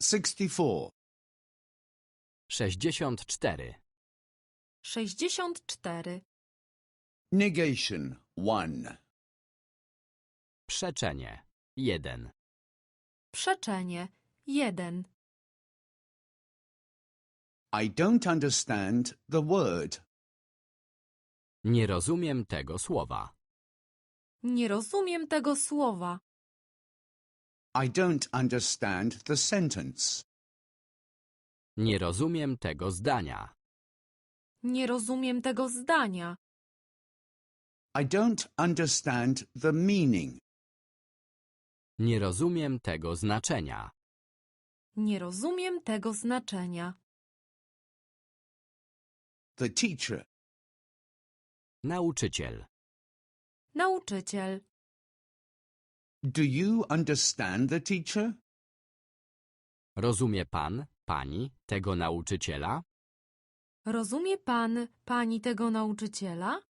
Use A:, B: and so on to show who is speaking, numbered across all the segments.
A: 64.
B: 64.
C: 64.
A: Negation 1.
B: Przeczenie 1.
C: Przeczenie 1.
A: I don't understand the word.
B: Nie rozumiem tego słowa.
C: Nie rozumiem tego słowa.
A: I don't understand the sentence.
B: Nie rozumiem tego zdania.
C: Nie rozumiem tego zdania.
A: I don't understand the meaning.
B: Nie rozumiem tego znaczenia.
C: Nie rozumiem tego znaczenia.
A: The teacher.
B: Nauczyciel.
C: Nauczyciel.
A: Do you understand the teacher?
B: Rozumie pan, pani tego nauczyciela?
C: Rozumie pan, pani tego nauczyciela?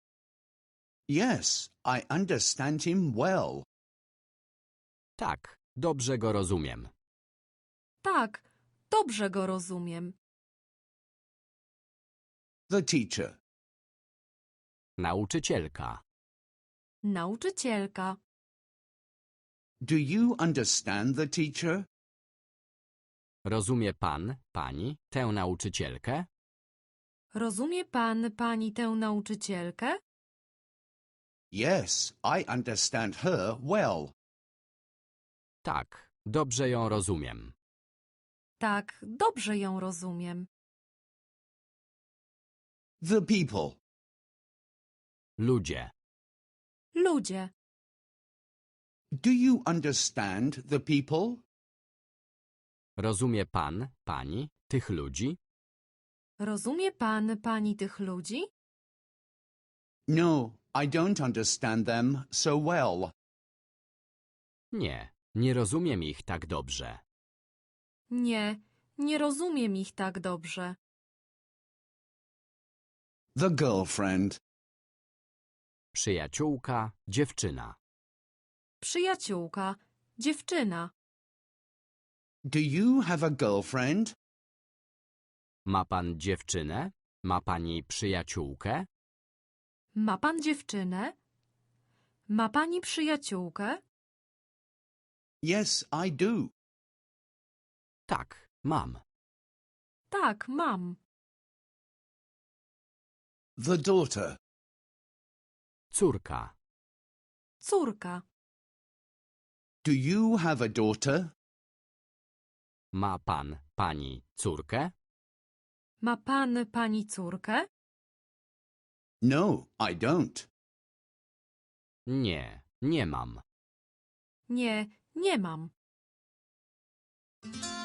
A: Yes, I understand him well.
B: Tak, dobrze go rozumiem.
C: Tak, dobrze go rozumiem.
A: The teacher.
B: Nauczycielka.
C: Nauczycielka.
A: Do you understand the teacher?
B: Rozumie pan, pani tę nauczycielkę?
C: Rozumie pan, pani tę nauczycielkę?
A: Yes, I understand her well.
B: Tak, dobrze ją rozumiem.
C: Tak, dobrze ją rozumiem.
A: The people.
B: Ludzie.
C: Ludzie.
A: Do you understand the people?
B: Rozumie pan, pani tych ludzi?
C: Rozumie pan, pani tych ludzi?
A: No, I don't understand them so well.
B: Nie, nie rozumiem ich tak dobrze.
C: Nie, nie rozumiem ich tak dobrze.
A: The girlfriend.
B: Przyjaciółka, dziewczyna.
C: Przyjaciółka, dziewczyna.
A: Do you have a girlfriend?
B: Ma pan dziewczynę? Ma pani przyjaciółkę?
C: Ma pan dziewczynę? Ma pani przyjaciółkę?
A: Yes, I do.
B: Tak, mam.
C: Tak, mam.
A: The daughter.
B: Córka.
C: Córka.
A: Do you have a daughter?
B: Ma pan, pani córkę?
C: Ma pan, pani córkę?
A: No, I don't.
B: Nie, nie mam.
C: Nie, nie mam.